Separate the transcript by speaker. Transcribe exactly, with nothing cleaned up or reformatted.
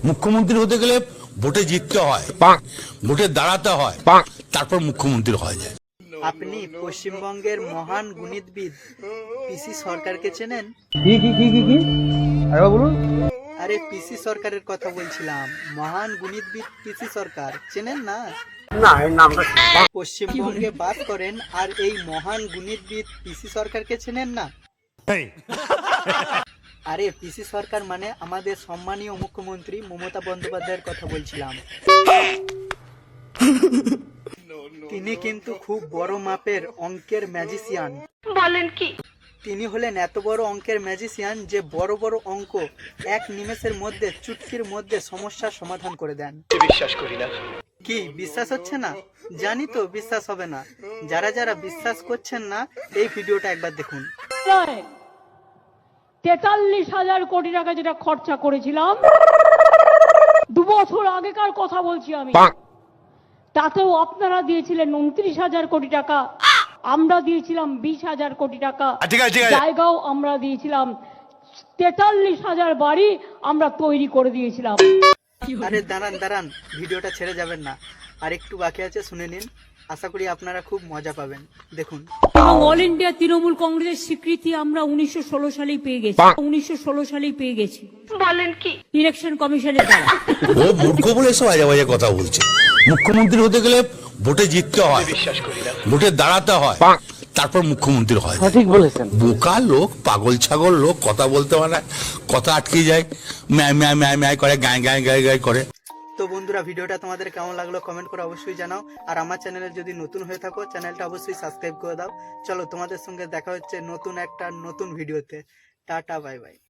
Speaker 1: মুখ্যমন্ত্রী হতে গেলে ভোটে জিততে হয়, ভোটে দাঁড়াতে হয়, তারপর মুখ্যমন্ত্রী হওয়া যায়।
Speaker 2: আপনি পশ্চিমবঙ্গের মহান গণিতবিদ পিসি সরকারকে চেনেন?
Speaker 3: কি কি কি কি কি আরে বলুন।
Speaker 2: আরে পিসি সরকারের কথা বলছিলাম, মহান গণিতবিদ পিসি সরকার চেনেন না?
Speaker 3: না এর নামটা
Speaker 2: পশ্চিমবঙ্গে বাস করেন আর এই মহান গণিতবিদ পিসি সরকারকে চেনেন না? আরে পিসি সরকার মানে আমাদের সম্মানীয় মুখ্যমন্ত্রী মমতা বন্দ্যোপাধ্যায়ের কথা বলছিলাম। তিনি কিন্তু খুব বড় মাপের অঙ্কের ম্যাজিশিয়ান।
Speaker 4: বলেন কি?
Speaker 2: তিনি হলেন এত বড় অঙ্কের ম্যাজিশিয়ান যে বড় বড় অঙ্ক এক নিমেষের মধ্যে চুটকির মধ্যে সমস্যার সমাধান করে দেন।
Speaker 3: বিশ্বাস করি না।
Speaker 2: কি বিশ্বাস হচ্ছে না? জানি তো বিশ্বাস হবে না। যারা যারা বিশ্বাস করছেন না এই ভিডিওটা একবার দেখুন।
Speaker 5: তেতাল্লিশ হাজার কোটি টাকা যেটা খরচা করেছিলাম দু বছর আগেকার কথা বলছি আমি, তাতেও আপনারা দিয়েছিলেন উনত্রিশ হাজার কোটি টাকা, আমরা দিয়েছিলাম বিশ হাজার কোটি টাকা, জায়গাও আমরা দিয়েছিলাম, তেতাল্লিশ হাজার বাড়ি আমরা তৈরি করে দিয়েছিলাম।
Speaker 2: আরে দাঁড়ান দাঁড়ান, ভিডিওটা ছেড়ে যাবেন না, আর একটু বাকি আছে, শুনে নিন। আশা করি আপনারা খুব মজা পাবেন। দেখুন।
Speaker 5: এবং অল ইন্ডিয়া তৃণমূল কংগ্রেসের স্বীকৃতি আমরা উনিশশো ষোলো সালেই পেয়ে গেছি, উনিশশো ষোলো সালেই পেয়ে গেছি
Speaker 4: বলেন কি?
Speaker 5: ইলেকশন কমিশনের দ্বারা।
Speaker 1: ও মূর্খ বলে এসব আজে বাজে কথা বলছে। মুখ্যমন্ত্রী হতে গেলে ভোটে জিততে হয়,
Speaker 3: বিশ্বাস করি না।
Speaker 1: ভোটে দাঁড়াতে হয়, তারপর মুখ্যমন্ত্রী হয়।
Speaker 3: সঠিক বলেছেন।
Speaker 1: বোকা লোক, পাগল ছাগল লোক, কথা বলতে পারে না, কথা আটকে যায়, ম্যায় ম্যায় ম্যায় ম্যায় করে, গায়ে গায়ে গায়ে গায়ে করে।
Speaker 2: তো বন্ধুরা, ভিডিওটা তোমাদের কেমন লাগলো কমেন্ট করে অবশ্যই জানাও। আর আমার চ্যানেলে যদি নতুন হয়ে থাকো চ্যানেলটা অবশ্যই সাবস্ক্রাইব করে দাও। চলো তোমাদের সঙ্গে দেখা হচ্ছে নতুন একটা নতুন ভিডিওতে। Tata, bye by.